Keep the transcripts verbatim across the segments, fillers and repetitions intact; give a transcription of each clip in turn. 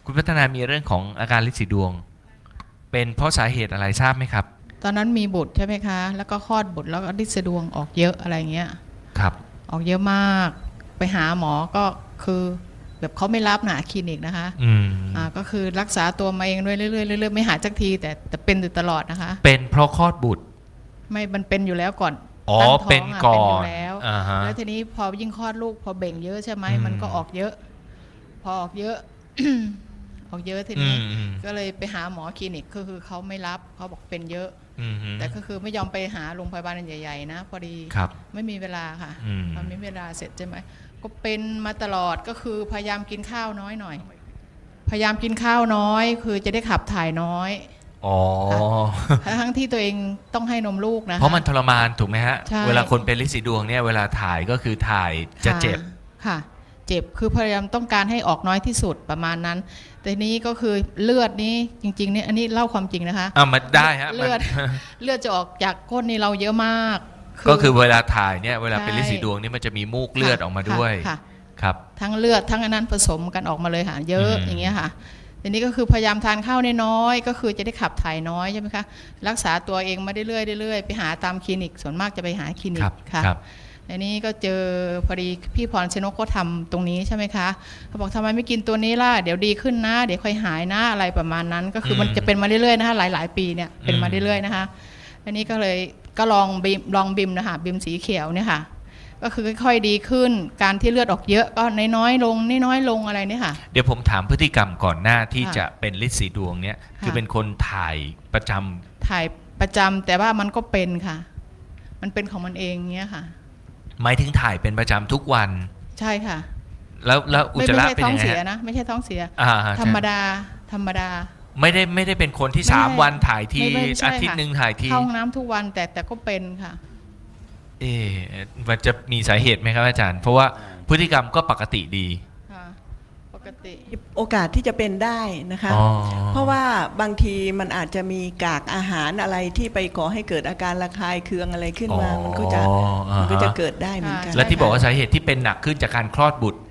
คุณพัฒนามีเรื่องของอาการลินสีดวงเป็นเพราะสาเหตุอะไรทราบไหมครับตอนนั้นมีบุตรใช่ไหมคะแล้วก็คลอดบุตรแล้วก็ลินสะดวงออกเยอะอะไรเงี้ยครับออกเยอะมากไปหาหมอก็คือแบบเขาไม่รับหนาคลินิกนะคะอืมอ่าก็คือรักษาตัวมาเองเรื่อยๆเรื่อยๆไม่หายสักทีแต่แต่เป็นอยู่ตลอดนะคะเป็นเพราะคลอดบุตรไม่มันเป็นอยู่แล้วก่อนอ๋อตั้งท้องเป็นก่อนเป็นอยู่แล้วอ่าฮะแล้วทีนี้พอยิ่งคลอดลูกพอเบ่งเยอะใช่ไหมมันก็ออกเยอะพอออกเยอะ ออกเยอะทีนี้ก็เลยไปหาหมอคลินิกก็คือเขาไม่รับเขาบอกเป็นเยอะแต่ก็คือไม่ยอมไปหาโรงพยาบาลใหญ่ๆนะพอดีไม่มีเวลาค่ะพอไม่มีเวลาเสร็จใช่ไหมก็เป็นมาตลอดก็คือพยายามกินข้าวน้อยหน่อยพยายามกินข้าวน้อยคือจะได้ขับถ่ายน้อยอ๋อทั้งที่ตัวเองต้องให้นมลูกนะเพราะมันทรมานถูกไหมฮะเวลาคนเป็นลินสีดวงเนี่ยเวลาถ่ายก็คือถ่ายจะเจ็บค่ะเจ็บคือพยายามต้องการให้ออกน้อยที่สุดประมาณนั้นแต่นี้ก็คือเลือดนี้จริงๆเนี่ยอันนี้เล่าความจริงนะคะอ่ามันได้ฮะเลือดเลือดจะออกจากก้นนี่เราเยอะมากก็คือเวลาถ่ายเนี่ยเวลาเป็นลินสีดวงนี่มันจะมีมูกเลือดออกมาด้วยครับทั้งเลือดทั้งอันนั้นผสมกันออกมาเลยค่ะเยอะอย่างเงี้ยค่ะทีนี้ก็คือพยายามทานข้าวน้อยๆก็คือจะได้ขับถ่ายน้อยใช่ไหมคะรักษาตัวเองมาเรื่อยๆเรื่อยๆไปหาตามคลินิกส่วนมากจะไปหาคลินิกค่ะอันนี้ก็เจอพอดีพี่พรชนกก็ทำตรงนี้ใช่ไหมคะเขาบอกทำไมไม่กินตัวนี้ล่ะเดี๋ยวดีขึ้นนะเดี๋ยวค่อยหายนะอะไรประมาณนั้นก็คือมันจะเป็นมาเรื่อยๆนะคะหลายๆปีเนี่ยเป็นมาเรื่อยๆนะคะอันนี้ก็เลยก็ลองบิมลองบิมนะคะบิมสีเขียวเนี่ยค่ะก็คือค่อยๆดีขึ้นการที่เลือดออกเยอะก็น้อยๆลงน้อยๆลงอะไรเนี่ยค่ะเดี๋ยวผมถามพฤติกรรมก่อนหน้าที่จะเป็นลินสีดวงเนี่ยคือเป็นคนถ่ายประจำถ่ายประจำแต่ว่ามันก็เป็นค่ะมันเป็นของมันเองเงี้ยค่ะหมายถึงถ่ายเป็นประจำทุกวันใช่ค่ะแล้วแล้วอุจจาระเป็นยังไงไม่ใช่ท้องเสียนะไม่ใช่ท้องเสียธรรมดาธรรมดาไม่ได้ไม่ได้เป็นคนที่สามวันถ่ายทีอาทิตย์หนึ่งถ่ายทีเข้าห้องน้ำทุกวันแต่แต่ก็เป็นค่ะเอ๊ะมันจะมีสาเหตุไหมครับอาจารย์เพราะว่าพฤติกรรมก็ปกติดีปกติโอกาสที่จะเป็นได้นะคะเพราะว่าบางทีมันอาจจะมีกากอาหารอะไรที่ไปก่อให้เกิดอาการระคายเคืองอะไรขึ้นมามันก็จะมันก็จะเกิดได้เหมือนกันและที่บอกว่าสาเหตุที่เป็นหนักขึ้นจากการคลอดบุตร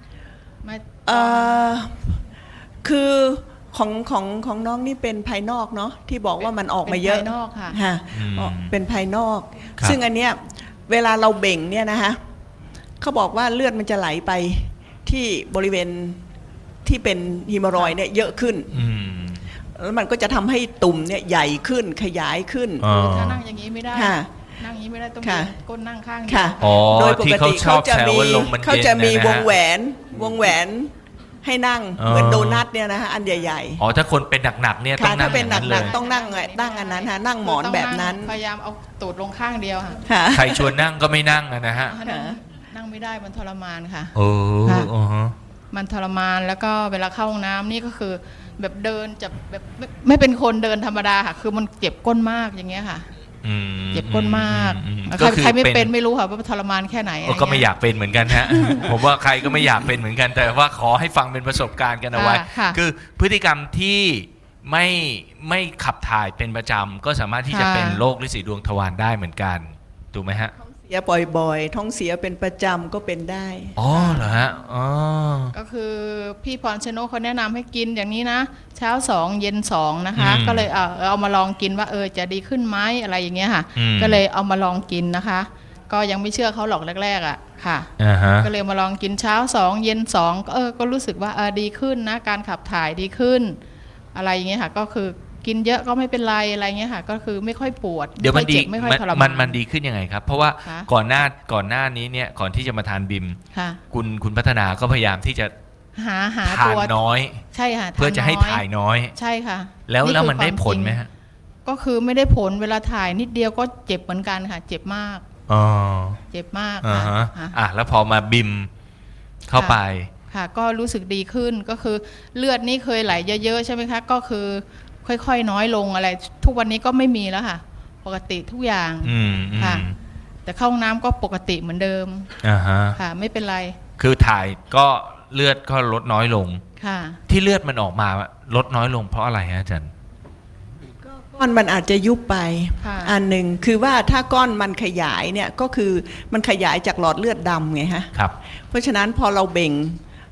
คือของของของน้องนี่เป็นภายนอกเนาะที่บอกว่ามันออกมาเยอะเป็นภายนอกค่ะเป็นภายนอกซึ่งอันเนี้ยเวลาเราเบ่งเนี่ยนะคะเขาบอกว่าเลือดมันจะไหลไปที่บริเวณที่เป็นฮีมอรอยด์เนี่ยเยอะขึ้นแล้วมันก็จะทำให้ตุ่มเนี่ยใหญ่ขึ้นขยายขึ้นถ้านั่งอย่างนี้ไม่ได้นั่งอย่างนี้ไม่ได้ต้องก้นนั่งข้างค่ะโดยปกติเขาจะมีเขาจะมีวงแหวนวงแหวนให้นั่งเหมือนโดนัทเนี่ยนะฮะอันใหญ่ๆอ๋อถ้าคนเป็นหนักๆเนี่ยต้องนั่งถ้าเป็นหนักๆต้องนั่งนั่งอันนั้นฮะนั่งหมอนแบบนั้นพยายามเอาตูดลงข้างเดียวค่ะใครชวนนั่งก็ไม่นั่งนะฮะนั่งไม่ได้มันทรมานค่ะโอ้มันทรมานแล้วก็เวลาเข้าห้องน้ำนี่ก็คือแบบเดินจะแบบไม่เป็นคนเดินธรรมดาค่ะคือมันเจ็บก้นมากอย่างเงี้ยค่ะเจ็บก้นมากใครใครไม่เป็นไม่รู้ค่ะว่าทรมานแค่ไหนก็ไม่อยากเป็นเหมือนกันฮะผมว่าใครก็ไม่อยากเป็นเหมือนกันแต่ว่าขอให้ฟังเป็นประสบการณ์กันเอาไว้คือพฤติกรรมที่ไม่ไม่ขับถ่ายเป็นประจำก็สามารถที่จะเป็นโรคลินสีดวงทวารได้เหมือนกันถูกไหมฮะเสียบ่อยๆท้องเสียเป็นประจำก็เป็นได้อ๋อเหรอฮะอ๋อก็คือพี่พรชนกเขาแนะนำให้กินอย่างนี้นะเช้าสองเย็นสองนะคะก็เลยเอาเอามาลองกินว่าเออจะดีขึ้นไหมอะไรอย่างเงี้ยค่ะก็เลยเอามาลองกินนะคะก็ยังไม่เชื่อเขาหรอกแรกๆอ่ะค่ะก็เลยมาลองกินเช้าสองเย็นสองเออก็รู้สึกว่าเออดีขึ้นนะการขับถ่ายดีขึ้นอะไรอย่างเงี้ยค่ะก็คือกินเยอะก็ไม่เป็นไรอะไรเงี้ยค่ะก็คือไม่ค่อยปวดเดี๋ยวมันดีมันมันดีขึ้นยังไงครับเพราะว่าก่อนหน้าก่อนหน้านี้เนี่ยก่อนที่จะมาทานบิมคุณคุณพัฒนาก็พยายามที่จะหาหาทานน้อยใช่ค่ะเพื่อจะให้ถ่ายน้อยใช่ค่ะแล้วแล้วมันได้ผลไหมฮะก็คือไม่ได้ผลเวลาถ่ายนิดเดียวก็เจ็บเหมือนกันค่ะเจ็บมากอ๋อเจ็บมากค่ะอ่ะแล้วพอมาบิมเข้าไปค่ะก็รู้สึกดีขึ้นก็คือเลือดนี่เคยไหลเยอะๆใช่ไหมคะก็คือค่อยๆน้อยลงอะไรทุกวันนี้ก็ไม่มีแล้วค่ะปกติทุกอย่างค่ะแต่เข้าห้องน้ำก็ปกติเหมือนเดิมค่ะไม่เป็นไรคือถ่ายก็เลือดก็ลดน้อยลงค่ะที่เลือดมันออกมาลดน้อยลงเพราะอะไรฮะอาจารย์ก้อนมันอาจจะยุบไปอันหนึ่งคือว่าถ้าก้อนมันขยายเนี่ยก็คือมันขยายจากหลอดเลือดดำไงฮะครับเพราะฉะนั้นพอเราเบ่ง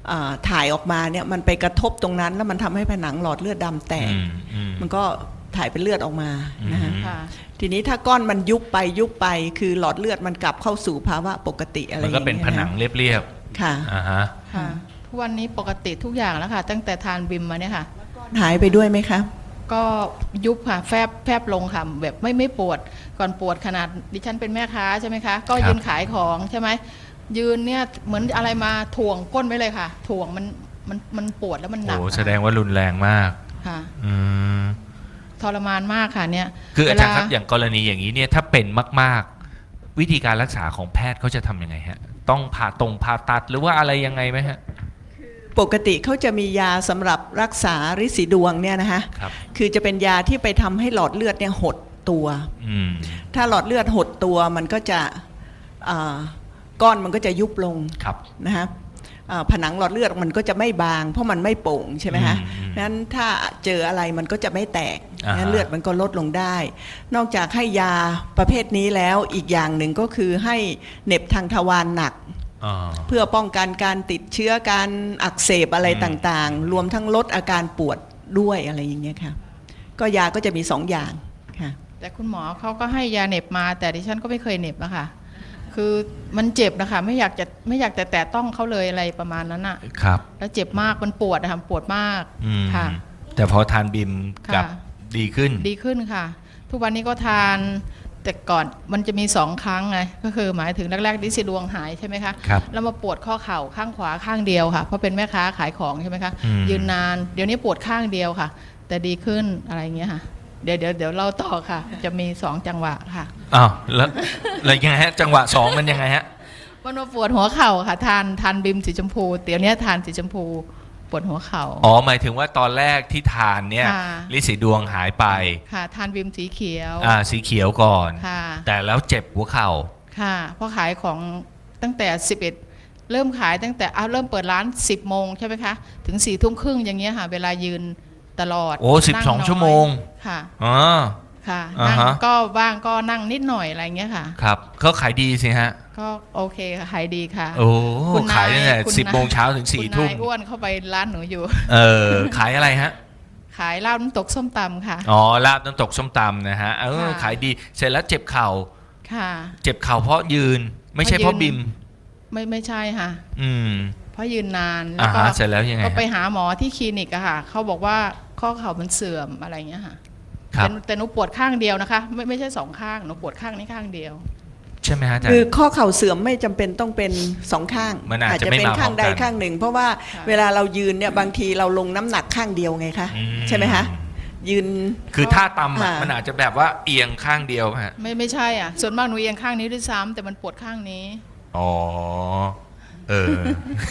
อ่าถ่ายออกมาเนี่ยมันไปกระทบตรงนั้นแล้วมันทำให้ผนังหลอดเลือดดำแตกอืมอืมมันก็ถ่ายเป็นเลือดออกมานะฮะอืมค่ะทีนี้ถ้าก้อนมันยุบไปยุบไปคือหลอดเลือดมันกลับเข้าสู่ภาวะปกติอะไรอมันย่างก็เงี้ยเป็นผนังเรียบค่ะๆอ่าฮะค่ะทุกวันนี้ปกติทุกอย่างแล้วค่ะ ตั้งแต่ทานบิมมาเนี่ยค่ะหายไปด้วยไหมคะก็ยุบค่ะแฟบแฟบลงค่ะแบบไม่ไม่ปวดก่อนปวดขนาดดิฉันเป็นแม่ค้าใช่ไหมคะก็ครับยืนขายของใช่ไหมยืนเนี่ยเหมือนอะไรมาถ่วงก้นไว้เลยค่ะ ถ่วงมันมันมันปวดแล้วมันหนักโอ้อะแสดงว่ารุนแรงมากค่ะอืมทรมานมากค่ะเนี่ยคืออาจารย์ครับเวลอย่างกรณีอย่างนี้เนี่ยถ้าเป็นมากๆ วิธีการรักษาของแพทย์เขาจะทำยังไงฮะต้องผ่าตรงผ่าตัดหรือว่าอะไรยังไงไหมฮะปกติเขาจะมียาสำหรับรักษาริดสีดวงเนี่ยนะคะครับคือจะเป็นยาที่ไปทำให้หลอดเลือดเนี่ยหดตัวอืมถ้าหลอดเลือดหดตัวมันก็จะอ่าก้อนมันก็จะยุบลงครับนะฮะอ่าผนังหลอดเลือดมันก็จะไม่บางเพราะมันไม่โป่งใช่ไหมฮะอืมนั้นถ้าเจออะไรมันก็จะไม่แตกอ่าฮะงั้นเลือดมันก็ลดลงได้ นอกจากให้ยาประเภทนี้แล้วอีกอย่างหนึ่งก็คือให้เหน็บทางทวารหนักอ่าเพื่อป้องกันการติดเชื้อการอักเสบอะไรอืมต่างๆ รวมทั้งลดอาการปวดด้วยอะไรอย่างเงี้ยค่ะก็ยาก็จะมีสองอย่างค่ะแต่คุณหมอเขาก็ให้ยาเหน็บมา แต่ดิฉันก็ไม่เคยเหน็บนะคะคือมันเจ็บนะคะไม่อยากจะไม่อยากแต่แตะต้องเขาเลยอะไรประมาณนั้นอะครับแล้วเจ็บมากมันปวดนะคะปวดมากอืมค่ะแต่พอทานบิมกลับค่ะดีขึ้นดีขึ้นค่ะ ทุกวันนี้ก็ทานแต่ก่อนมันจะมีสองครั้งไงก็คือหมายถึงแรกๆดิสิดวงหายใช่ไหมคะครับแล้วมาปวดข้อเข่าข้างขวาข้างเดียวค่ะเพราะเป็นแม่ค้าขายของใช่ไหมคะอืมยืนนานเดี๋ยวนี้ปวดข้างเดียวค่ะ แต่ดีขึ้นอะไรอย่างเงี้ยค่ะเดี๋ยวเดี๋ยวเดี๋ยวเราต่อค่ะ จะมีสองจังหวะค่ะอ้าวแล้วแล้วยังไงฮะจังหวะสองมันยังไงฮะมันมาปวดหัวเข่าค่ะ ทานทานบิมสีชมพูเดี๋ยวนี้ทานสีชมพูปวดหัวเข่าอ๋อหมายถึงว่าตอนแรกที่ทานเนี่ยค่ะลิสีดวงหายไปค่ะ ทานบิมสีเขียวอ่าสีเขียวก่อนค่ะแต่แล้วเจ็บหัวเข่าค่ะเพราะขายของตั้งแต่สิบเอ็ดเริ่มขายตั้งแต่เอาเริ่มเปิดร้านสิบโมงใช่ไหมคะถึงสี่ทุ่มครึ่งอย่างเงี้ยค่ะ เวลายืนตลอดโอ้สิบสองนั่น้ยชั่วโมงค่ะอ๋อค่ะอ่านั่งฮะก็บ้างก็นั่งนิดหน่อยอะไรเงี้ยค่ะครับเขาขายดีสิฮะก็โอเคค่ะขายดีค่ะโอ้คุณนายขายตั้งแต่คุณสิบนายโมงเช้าถึงสี่คุณทุ่มนายอ้วนเข้าไปร้านหนูอยู่เออขายอะไรฮะขายลาบน้ำตกส้มตำค่ะอ๋อลาบน้ำตกส้มตำนะฮะเออค่ะขายดีเสร็จแล้วเจ็บเข่าค่ะเจ็บเข่าเพราะยืน ไม่ใช่เพเพราะราะยืบินมไม่ไม่ใช่ค่ะอืมเพราะยืนนานแล้อ่าวก็ฮะเสร็จแล้วยังไงก็ไปฮะหาหมอที่คลินิกอะค่ะเขาบอกว่าข้อเข่ามันเสื่อมอะไรเงี้ยค่ะครับแต่แต่หนูปวดข้างเดียวนะคะ ไม่ไม่ใช่สองข้างหนูปวดข้างนี้ข้างเดียวใช่ไหมฮะอาจารคือย์ข้อเข่าเสื่อมไม่จำเป็นต้องเป็นสองข้างมันอาจจะจะไม่เป็นมาข้างใดพร้อมกันข้างหนึ่ง เพราะว่าค่ะเวลาเรายืนเนี่ยบางทีเราลงน้ำหนักข้างเดียวไงคะอืมใช่ไหมคะยืนคือท่าตำอะอ่ามัมันอาจจะแบบว่าเอียงข้างเดียวฮะไม่ไม่ใช่อ่ะส่วนมากหนูเอียงข้างนี้ด้วยซ้ำแต่มันปวดข้างนี้อ๋อ เออ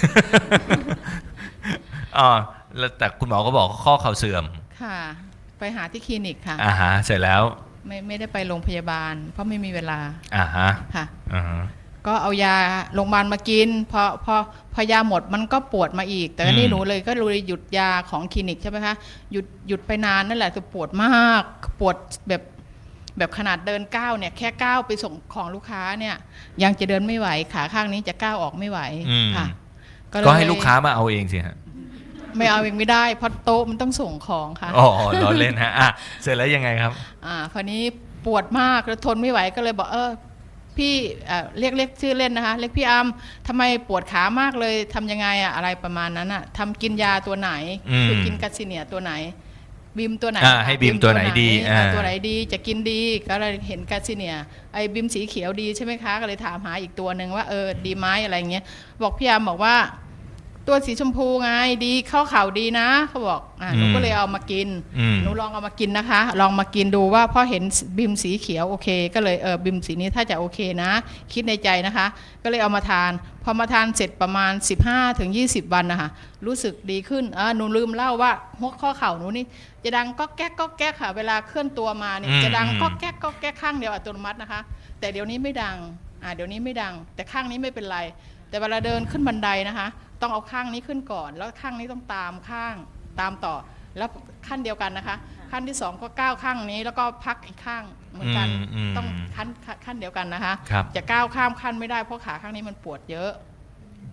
อ๋อแล้วแต่คุณหมอก็บอกข้อเข่าเสื่อมค่ะ ไปหาที่คลินิกค่ะอ่าฮะ เสร็จแล้วไม่ไม่ได้ไปโรงพยาบาล เพราะไม่มีเวลาอ่าฮะค่ะอ่าฮะก็เอายาโรงพยาบาลมากินพอพอพอยาหมดมันก็ปวดมาอีก แต่ก็นี่อืมหนูเลยก็เลยหยุดยาของคลินิกใช่ไหมคะหยุดหยุดไปนานนั่นแหละแต่ปวดมากปวดแบบแบบขนาดเดินก้าวเนี่ยแค่ก้าวไปส่งของลูกค้าเนี่ยยังจะเดินไม่ไหวขาข้างนี้จะก้าวออกไม่ไหวอืมค่ะเลยก็ให้ลูกค้ามาเอาเองสิฮะไม่เอาเองไม่ได้เพราะโต๊ะมันต้องส่งของค่ะอ๋อล้อเล่นฮะ อ่ะ เสร็จแล้วยังไงครับอ่าคราวนี้ปวดมากแล้วทนไม่ไหวก็เลยบอกเออพี่เอ่อเรียกเรียกชื่อเล่นนะคะเรียกพี่อัมทำไมปวดขามากเลยทำยังไงอะอะไรประมาณนั้นอะทำกินยาตัวไหนอืมคือกินกัสซิเนียตัวไหนบิมตัวไหนอ่าให้บิมตัวไหนดีอ่าอ่าตัวไหนดีจะกินดีก็เลยเห็นกัสซิเนียไอ้บิมสีเขียวดีใช่ไหมคะก็เลยถามหาอีกตัวหนึ่งว่าเออดีไหมอะไรเงี้ยบอกพี่อัมบอกว่า ตัวสีชมพูไงดีเข้าข่าวดีนะเขาบอกอ่าหนูก็เลยเอามากินอืมหนูลองเอามากินนะคะ ลองมากินดูว่าพอเห็นบิมสีเขียวโอเค ก็เลยเออบิมสีนี้ถ้าจะโอเคนะ คิดในใจนะคะ ก็เลยเอามาทาน พอมาทานเสร็จประมาณ สิบห้าถึงยี่สิบ วันนะคะรู้สึกดีขึ้นอ่าหนูลืมเล่าว่าหัวข้อเข่าหนูนี่จะดังก็แก๊กก็แก๊กค่ะ เวลาเคลื่อนตัวมาเนี่ยอืมจะดังอืมก็แก๊กก็แก๊กข้างเดียวอัตโนมัตินะคะ แต่เดี๋ยวนี้ไม่ดังอ่าเดี๋ยวนี้ไม่ดัง แต่ข้างนี้ไม่เป็นไร แต่เวลาเดินขึ้นบันไดนะคะ ต้องเอาข้างนี้ขึ้นก่อน แล้วข้างนี้ต้องตามข้างตามต่อ แล้วขั้นเดียวกันนะคะ ขั้นที่สองก็ก้าวข้างนี้แล้วก็พักอีกข้างเหมือนกันอืมอืมต้องขั้นขั้นเดียวกันนะคะครับจะก้าวข้ามขั้นไม่ได้เพราะขาข้างนี้มันปวดเยอะพอ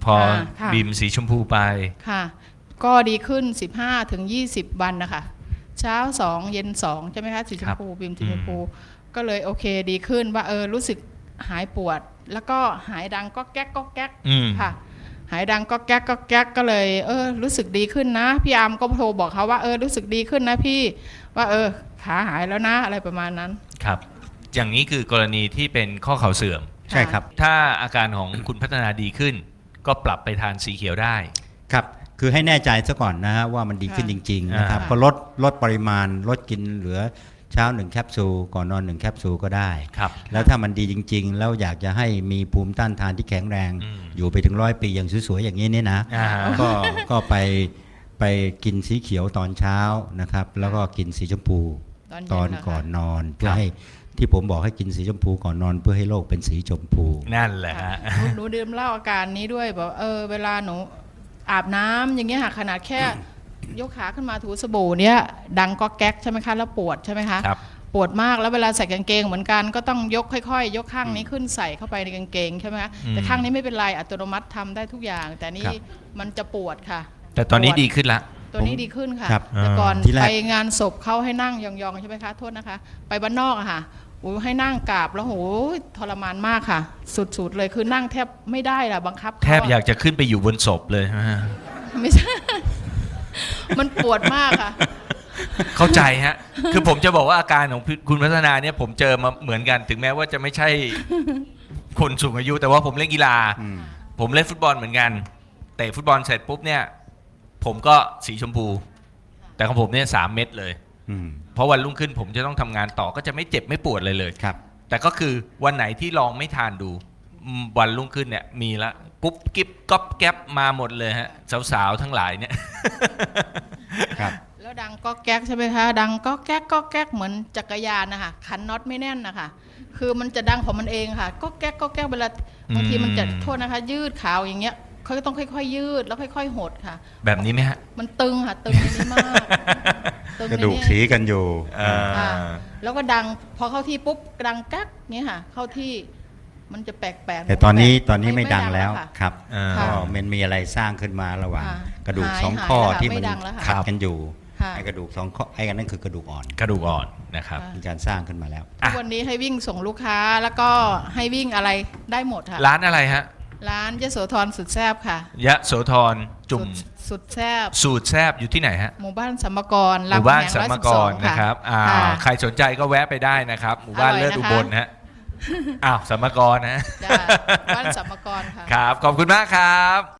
อค่ะบิมสีชมพูไปค่ะ ก็ดีขึ้น สิบห้าถึงยี่สิบ วันนะคะเช้าสองเย็นสองใช่ไหมคะสีชมพูบิมสีชมพูก็เลยโอเคดีขึ้นว่าเออรู้สึกหายปวด แล้วก็หายดังก็แก๊กก็แก๊กอืมค่ะ หายดังก็แก๊กก็แก๊กก็เลยเออรู้สึกดีขึ้นนะพี่อาร์มก็โทรบอกเขาว่าเออรู้สึกดีขึ้นนะพี่ว่าเออขาหายแล้วนะอะไรประมาณนั้นครับ อย่างนี้คือกรณีที่เป็นข้อเข่าเสื่อมใช่ครับถ้าอาการของคุณพัฒนาดีขึ้น ก็ปรับไปทานสีเขียวได้ครับ คือให้แน่ใจซะก่อนนะฮะว่ามันดีขึ้นจริง ๆ นะครับอ่าก็ลดลดปริมาณลดกินเหลือเช้าหนึ่งแคปซูลก่อนนอนหนึ่งแคปซูลก็ได้ครับแล้วถ้ามันดีจริง ๆ แล้วอยากจะให้มีภูมิต้านทานที่แข็งแรงอืมอยู่ไปถึงร้อยปีอย่างสวยๆอย่างนี้เนี่ยนะอ่าก็ก็ไปไปกินสีเขียวตอนเช้านะครับ แล้วก็กินสีชมพูตอนเย็นตอนนะคะก่อนนอนเพื่คอรับให้ที่ผมบอกให้กินสีชมพูก่อนนอนเพื่อให้โลกเป็นสีชมพูนั่นแหละฮะหนูหนูดื่มเหล้าอาการนี้ด้วยบอกเออเวลาหนูอาบน้ำอย่างเงี้ยค่ะขนาดแค่ ยกขาขึ้นมาถูสบู่เนี้ยดังก็แก๊กใช่ไหมคะแล้วปวดใช่ไหมคะครับปวดมากแล้วเวลาใส่กางเกงเหมือนกันก็ต้องยกค่อยๆ ยกข้างนี้ขึ้นใส่เข้าไปในกางเกงใช่ไหมคะอืมแต่ข้างนี้ไม่เป็นไรอัตโนมัติทำได้ทุกอย่าง แต่นี่ครับมันจะปวดค่ะแต่ตอนนี้ปวดีขึ้นละตัวนี้ดีขึ้นค่ะครับแต่ก่อนที่แรกไปงานศพเขาให้นั่งยองๆใช่ไหมคะโทษนะคะ ไปบ้านนอกอะค่ะโอ้ยให้นั่งกราบแล้วโหยทรมานมากค่ะ สุดๆเลยคือนั่งแทบไม่ได้ล่ะบังคับเขแทบอยากจะขึ้นไปอยู่บนศพเลยฮะไม่ใช่ มันปวดมากค่ะเข้าใจฮะ คือผมจะบอกว่าอาการของคุณพัฒนาเนี่ยผมเจอมาเหมือนกัน ถึงแม้ว่าจะไม่ใช่คนสูงอายุ แต่ว่าผมเล่นกีฬาอืมผมเล่นฟุตบอลเหมือนกันเตะฟุตบอลเสร็จปุ๊บเนี่ย ผมก็สีชมพู แต่ของผมเนี่ยสามเม็ดเลยอืมเพราะวันรุ่งขึ้นผมจะต้องทำงานต่อก็จะไม่เจ็บไม่ปวดเลยเลยครับแต่ก็คือวันไหนที่ลองไม่ทานดูอืมวันรุ่งขึ้นเนี่ยมีละกุ๊บกิ๊บก๊อบแก๊บมาหมดเลยฮะสาวๆทั้งหลายเนี่ยครับแล้วดังก็แก๊กใช่ไหมคะดังก็แก๊กก็แก๊กเหมือนจักรยานนะคะขันน็อตไม่แน่นนะคะคือมันจะดังของมันเองค่ะ ก็แก๊กก็แก๊กเวลาบางทีมันจะอืมโทษนะคะ ยืดขาวอย่างเงี้ยเขาก็ต้องค่อยๆ ยืดแล้วค่อยๆหดค่ะแบบนี้ไหมฮะมันตึงค่ะตึงในนี้มากตึงกระในดูกนี้สีกันอยู่อ่าค่ะแล้วก็ดังพอเข้าที่ปุ๊บดังแก๊กเงี้ยค่ะ เข้าที่มันจะแปลกๆแต่ตอนนี้ตอนนี้ไม่ไม่ดังไม่ดังแล้วแล้วค่ะครับอ่าก็มันมีอะไรสร้างขึ้นมาระหว่างค่ะกระดูกหายสองหายข้อแล้วค่ะที่ไม่มันดังแล้วค่ะขัดกันอยู่ค่ะไอ้กระดูกสองข้อไอ้กันนั่นคือกระดูกอ่อนกระดูกอ่อนนะครับค่ะมีการสร้างขึ้นมาแล้วทุกวันนี้ให้วิ่งส่งลูกค้าแล้วก็ให้วิ่งอะไรได้หมดค่ะร้านอะไรฮะร้านยโสธรสุดแซบค่ะยะโสธรจุ่มสุดสุดแซบสูตรแซบอยู่ที่ไหนฮะหมู่บ้านสัมมกรหมู่บ้านรสัมมมแหงกร้อรยสิบสองนะครับอ่าค่ะใครสนใจก็แวะไปได้นะครับ หมู่บ้านอร่อยเลิศนะคะอุบลนะฮะอ้าวสัมมกรนะจ้ะบ้านสัมมกรค่ะครับ ขอบคุณมากครับ